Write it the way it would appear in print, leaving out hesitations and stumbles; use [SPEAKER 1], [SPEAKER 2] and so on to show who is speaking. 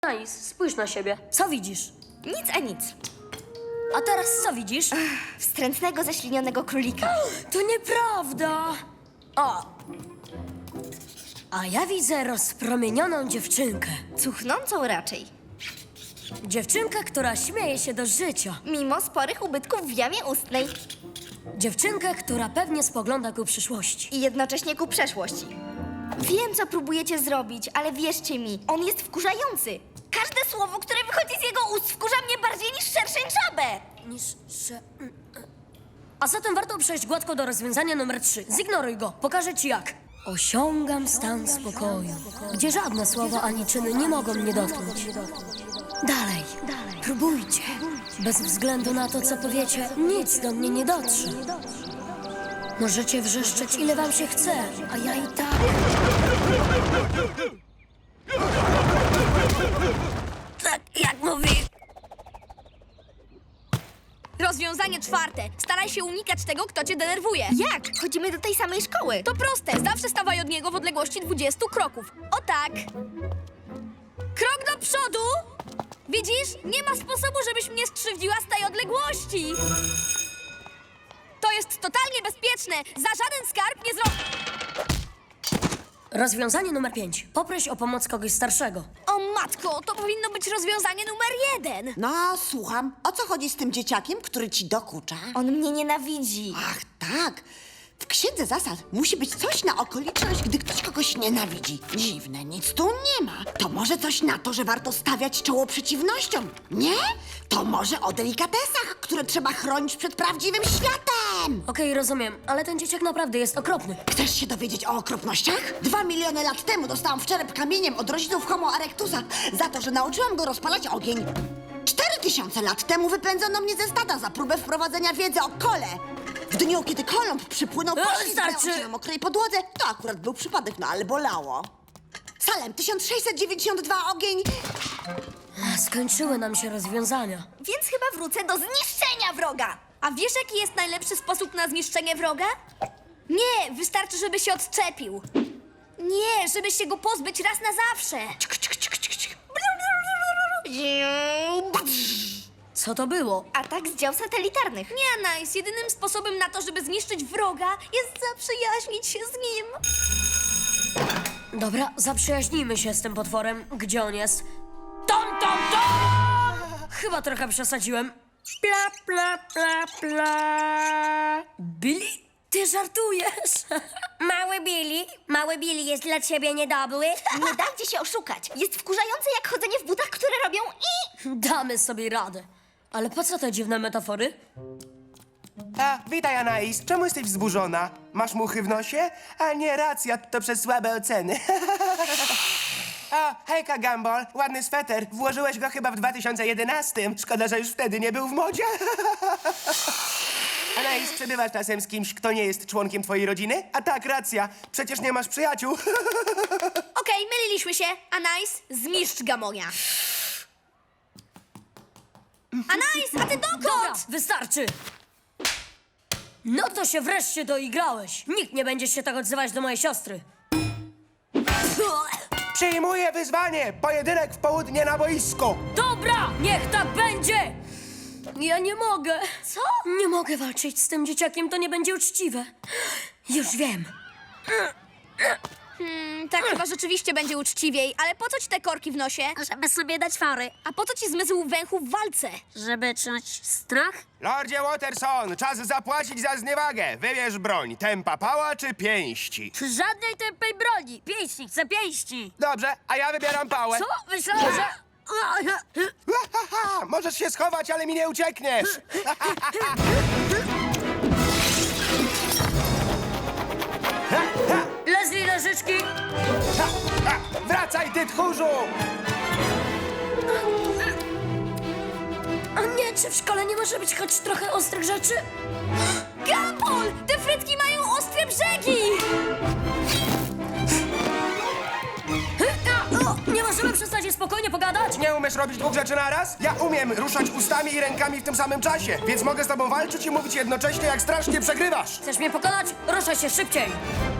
[SPEAKER 1] Nice, spójrz na siebie. Co widzisz?
[SPEAKER 2] Nic a nic.
[SPEAKER 1] A teraz co widzisz?
[SPEAKER 2] Wstrętnego, ześlinionego królika.
[SPEAKER 1] To nieprawda! O! A ja widzę rozpromienioną dziewczynkę.
[SPEAKER 2] Cuchnącą raczej.
[SPEAKER 1] Dziewczynkę, która śmieje się do życia.
[SPEAKER 2] Mimo sporych ubytków w jamie ustnej.
[SPEAKER 1] Dziewczynkę, która pewnie spogląda ku przyszłości.
[SPEAKER 2] I jednocześnie ku przeszłości. Wiem, co próbujecie zrobić, ale wierzcie mi, on jest wkurzający. Każde słowo, które wychodzi z jego ust, wkurza mnie bardziej niż szerszęczabę.
[SPEAKER 1] A zatem warto przejść gładko do rozwiązania numer 3. Zignoruj go, pokażę ci jak. Osiągam stan spokoju, gdzie żadne słowo ani czyny nie mogą mnie dotknąć. Dalej, próbujcie. Bez względu na to, co powiecie, nic do mnie nie dotrze. Możecie wrzeszczeć, ile wam się chce, a ja i tak... Tak, jak mówi...
[SPEAKER 3] Rozwiązanie 4. Staraj się unikać tego, kto cię denerwuje.
[SPEAKER 2] Jak? Chodzimy do tej samej szkoły.
[SPEAKER 3] To proste. Zawsze stawaj od niego w odległości 20 kroków. O tak. Krok do przodu. Widzisz? Nie ma sposobu, żebyś mnie skrzywdziła z tej odległości. To jest totalnie bezpieczne. Za żaden skarb nie zrobię.
[SPEAKER 1] Rozwiązanie numer 5. Poproś o pomoc kogoś starszego.
[SPEAKER 3] O matko, to powinno być rozwiązanie numer 1.
[SPEAKER 4] No, słucham. O co chodzi z tym dzieciakiem, który ci dokucza?
[SPEAKER 2] On mnie nienawidzi.
[SPEAKER 4] Ach, tak. W księdze zasad musi być coś na okoliczność, gdy ktoś kogoś nienawidzi. Dziwne, nic tu nie ma. To może coś na to, że warto stawiać czoło przeciwnościom, nie? To może o delikatesach, które trzeba chronić przed prawdziwym światem.
[SPEAKER 1] Okej, rozumiem, ale ten dzieciak naprawdę jest okropny.
[SPEAKER 4] Chcesz się dowiedzieć o okropnościach? 2 miliony lat temu dostałam w czerep kamieniem od rodziców Homo erectusa za to, że nauczyłam go rozpalać ogień. 4000 lat temu wypędzono mnie ze stada za próbę wprowadzenia wiedzy o kole. W dniu, kiedy Kolumb przypłynął, poślizgnął
[SPEAKER 1] starczy.
[SPEAKER 4] się na mokrej podłodze. To akurat był przypadek, no ale bolało. Salem, 1692, ogień.
[SPEAKER 1] Skończyły nam się rozwiązania.
[SPEAKER 2] Więc chyba wrócę do zniszczenia wroga.
[SPEAKER 3] A wiesz, jaki jest najlepszy sposób na zniszczenie wroga? Nie, wystarczy, żeby się odczepił. Nie, żeby się go pozbyć raz na zawsze.
[SPEAKER 1] Co to było?
[SPEAKER 2] Atak z dział satelitarnych.
[SPEAKER 3] Nie, Nice. Jedynym sposobem na to, żeby zniszczyć wroga, jest zaprzyjaźnić się z nim.
[SPEAKER 1] Dobra, zaprzyjaźnijmy się z tym potworem. Gdzie on jest? Tom! Chyba trochę przesadziłem. Pla, pla, pla, pla. Billy? Ty żartujesz? Mały Billy jest dla ciebie niedobry?
[SPEAKER 2] Nie dajcie się oszukać. Jest wkurzające jak chodzenie w butach, które robią i...
[SPEAKER 1] Damy sobie radę. Ale po co te dziwne metafory?
[SPEAKER 5] A, witaj, Anais. Czemu jesteś wzburzona? Masz muchy w nosie? A nie, racja, to przez słabe oceny. O, hejka, Gumball. Ładny sweter. Włożyłeś go chyba w 2011. Szkoda, że już wtedy nie był w modzie. Anais, przebywasz czasem z kimś, kto nie jest członkiem twojej rodziny? A tak, racja. Przecież nie masz przyjaciół.
[SPEAKER 3] Okej, myliliśmy się. Nice, zmiszcz Gamonia. Nice, a ty dokąd?
[SPEAKER 1] Dobra, wystarczy! No to się wreszcie doigrałeś. Nikt nie będzie się tak odzywać do mojej siostry.
[SPEAKER 5] Przyjmuję wyzwanie. Pojedynek w południe na boisku.
[SPEAKER 1] Dobra, niech tak będzie! Ja nie mogę.
[SPEAKER 3] Co?
[SPEAKER 1] Nie mogę walczyć z tym dzieciakiem, to nie będzie uczciwe. Już wiem.
[SPEAKER 3] Tak chyba rzeczywiście będzie uczciwiej, ale po co ci te korki w nosie?
[SPEAKER 1] Żeby sobie dać fory.
[SPEAKER 3] A po co ci zmysł węchu w walce?
[SPEAKER 1] Żeby czuć strach?
[SPEAKER 5] Lordzie Watterson, czas zapłacić za zniewagę. Wybierz broń. Tempa pała czy pięści?
[SPEAKER 1] Żadnej tępej broni. Pięści, chcę pięści.
[SPEAKER 5] Dobrze, a ja wybieram pałę.
[SPEAKER 1] Co? Myślałem, że...
[SPEAKER 5] Ha, możesz się schować, ale mi nie uciekniesz.
[SPEAKER 1] Leslie, nożyczki!
[SPEAKER 5] Wracaj, ty tchórzu!
[SPEAKER 1] A nie, czy w szkole nie może być choć trochę ostrych rzeczy?
[SPEAKER 3] Gumball! Te frytki mają ostre brzegi!
[SPEAKER 1] Nie możemy przestać i spokojnie pogadać?
[SPEAKER 5] Nie umiesz robić dwóch rzeczy naraz? Ja umiem ruszać ustami i rękami w tym samym czasie, więc mogę z tobą walczyć i mówić jednocześnie, jak strasznie przegrywasz.
[SPEAKER 1] Chcesz mnie pokonać? Ruszaj się szybciej!